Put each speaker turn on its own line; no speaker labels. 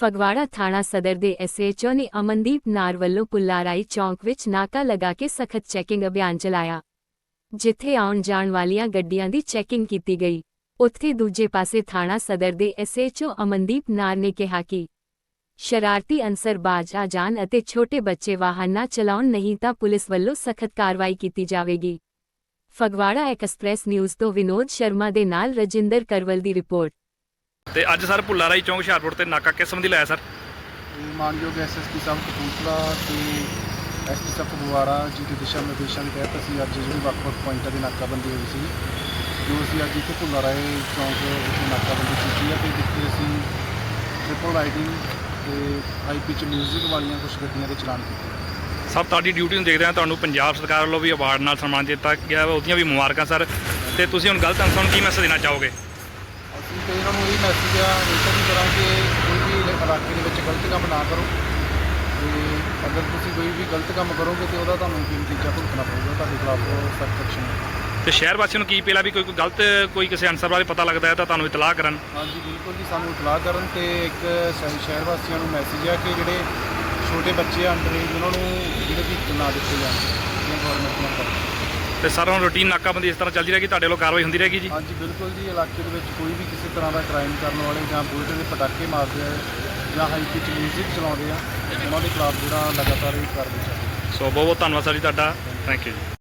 ਫਗਵਾੜਾ ਥਾਣਾ ਸਦਰ ਦੇ ਐਸਐਚਓ ਨੇ ਅਮਨਦੀਪ ਨਾਰ ਵੱਲੋਂ ਪੁੱਲਾਰਾਈ ਚੌਂਕ ਵਿੱਚ ਨਾਕਾ ਲਗਾ ਕੇ ਸਖਤ ਚੈਕਿੰਗ ਅਭਿਆਨ ਚਲਾਇਆ, ਜਿੱਥੇ ਆਉਣ ਜਾਣ ਵਾਲੀਆਂ ਗੱਡੀਆਂ ਦੀ ਚੈਕਿੰਗ ਕੀਤੀ ਗਈ। ਉੱਥੇ ਦੂਜੇ ਪਾਸੇ ਥਾਣਾ ਸਦਰ ਦੇ ਐਸਐਚਓ ਅਮਨਦੀਪ ਨਾਰ ਨੇ ਕਿਹਾ ਕਿ ਸ਼ਰਾਰਤੀ ਅਨਸਰ ਬਾਜ਼ ਆ ਜਾਣ ਅਤੇ ਛੋਟੇ ਬੱਚੇ ਵਾਹਨ ਨਾ ਚਲਾਉਣ, ਨਹੀਂ ਤਾਂ ਪੁਲਿਸ ਵੱਲੋਂ ਸਖਤ ਕਾਰਵਾਈ ਕੀਤੀ ਜਾਵੇਗੀ। ਫਗਵਾੜਾ ਐਕਸਪ੍ਰੈਸ ਨਿਊਜ਼ ਤੋਂ ਵਿਨੋਦ ਸ਼ਰਮਾ ਦੇ ਨਾਲ ਰਜਿੰਦਰ ਕਰਵਲ ਦੀ ਰਿਪੋਰਟ।
ਤੇ ਅੱਜ ਸਰ ਪੁੱਲਾਰਾਈ ਚੌਂਕ ਹੁਸ਼ਿਆਰਪੁਰ ਤੇ ਨਾਕਾ ਕਿਸ ਸੰਬੰਧੀ ਲਾਇਆ ਸਰ?
ਮਾਨਯੋਗ ਐਸਐਸਪੀ ਸਾਹਿਬ ਕਪੂਰਥਲਾ ਤੇ ਐਸਪੀ ਸਾਹਿਬ ਫਗਵਾੜਾ ਜੀ ਦੇ ਦਿਸ਼ਾ ਨਿਰਦੇਸ਼ਾਂ ਦੇ ਤਹਿਤ ਅਸੀਂ ਅੱਜ ਜਿਹੜੀ ਵੱਖ-ਵੱਖ ਪੁਆਇੰਟਾਂ ਦੀ ਨਾਕਾਬੰਦੀ ਹੋਈ ਸੀ, ਜੋ ਅਸੀਂ ਅੱਜ ਇੱਥੇ ਪੁੱਲਾਰਾਈ ਚੌਂਕ ਵਿੱਚ ਨਾਕਾਬੰਦੀ ਕੀਤੀ ਹੈ ਤੇ ਜਿੱਥੇ ਅਸੀਂ ਟ੍ਰਿਪਲ ਰਾਈਡਿੰਗ ਤੇ ਹਾਈ ਪਿਚ ਮਿਊਜ਼ਿਕ ਵਾਲੀਆਂ ਕੁਝ ਗੱਡੀਆਂ ਦੇ ਚਲਾਨ ਕੀਤੇ।
ਸਭ ਤੁਹਾਡੀ ਡਿਊਟੀ ਨੂੰ ਦੇਖਦੇ ਹਾਂ, ਤੁਹਾਨੂੰ ਪੰਜਾਬ ਸਰਕਾਰ ਵੱਲੋਂ ਵੀ ਅਵਾਰਡ ਨਾਲ ਸਨਮਾਨ ਦਿੱਤਾ ਗਿਆ, ਉਹਦੀਆਂ ਵੀ ਮੁਬਾਰਕਾਂ ਸਰ। ਤੇ ਤੁਸੀਂ ਹੁਣ ਗਲਤ ਅਨਸਰਾਂ ਨੂੰ ਕੀ ਮੈਸੇਜ ਦੇਣਾ ਚਾਹੋਗੇ?
ਅਸੀਂ ਤਾਂ ਇਹਨਾਂ ਨੂੰ ਇਹ ਮੈਸੇਜ ਆ ਰਿਟਰਨ ਕਰਾਂਗੇ, ਕੋਈ ਵੀ ਇਲਾਕੇ ਦੇ ਵਿੱਚ ਗਲਤ ਕੰਮ ਨਾ ਕਰੋ ਤੇ ਅਗਰ ਤੁਸੀਂ ਕੋਈ ਵੀ ਗਲਤ ਕੰਮ ਕਰੋਗੇ ਤੇ ਉਹਦਾ ਤੁਹਾਨੂੰ ਕੀ ਨਤੀਜਾ ਭੁਗਤਣਾ ਪਊਗਾ, ਤੁਹਾਡੇ ਖਿਲਾਫ ਸਖਤ ਐਕਸ਼ਨ ਹੈ।
ਤੇ ਸ਼ਹਿਰ ਵਾਸੀਆਂ ਨੂੰ ਕੀ ਅਪੀਲ ਵੀ ਕੋਈ ਗਲਤ ਕੋਈ ਕਿਸੇ ਅਨਸਰ ਬਾਰੇ ਪਤਾ ਲੱਗਦਾ ਹੈ ਤਾਂ ਤੁਹਾਨੂੰ ਇਤਲਾਹ ਕਰਨ?
ਹਾਂਜੀ ਬਿਲਕੁਲ ਜੀ, ਸਾਨੂੰ ਇਤਲਾਹ ਕਰਨ ਤੇ ਇੱਕ ਸ਼ਹਿਰ ਵਾਸੀਆਂ ਨੂੰ ਮੈਸੇਜ ਹੈ ਕਿ ਜਿਹੜੇ ਛੋਟੇ ਬੱਚੇ ਅੰਡਰ ਏਜ ਉਹਨਾਂ ਨੂੰ ਜਿਹੜੇ ਵਹੀਕਲ ਨਾ ਦਿੱਤੇ ਜਾਣ, ਇਹ ਗੌਰਮੈਂਟ ਨਾਲ ਕਰਦੇ।
ਤੇ ਸਰ ਹੁਣ ਰੂਟੀਨ ਨਾਕਾਬੰਦੀ ਇਸ ਤਰ੍ਹਾਂ ਚੱਲਦੀ ਰਹੇਗੀ, ਤੁਹਾਡੇ ਵੱਲੋਂ ਕਾਰਵਾਈ ਹੁੰਦੀ ਰਹੇਗੀ ਜੀ?
ਹਾਂਜੀ ਬਿਲਕੁਲ ਜੀ, ਇਲਾਕੇ ਦੇ ਵਿੱਚ ਕੋਈ ਵੀ ਕਿਸੇ ਤਰ੍ਹਾਂ ਦਾ ਕ੍ਰਾਈਮ ਕਰਨ ਵਾਲੇ ਜਾਂ ਬੁਲਟ ਦੇ ਪਟਾਕੇ ਮਾਰਦੇ ਆ ਜਾਂ ਹਾਈ ਪਿਚ ਮਿਊਜ਼ਿਕ ਚਲਾਉਂਦੇ ਆ, ਉਹਨਾਂ ਦੇ ਖਿਲਾਫ ਜਿਹੜਾ ਲਗਾਤਾਰ ਇਹ ਕਾਰਵਾਈ ਚੱਲ ਰਹੀ ਹੈ।
ਸੋ ਬਹੁਤ ਬਹੁਤ ਧੰਨਵਾਦ ਸਰ ਜੀ ਤੁਹਾਡਾ, ਥੈਂਕ ਯੂ ਜੀ।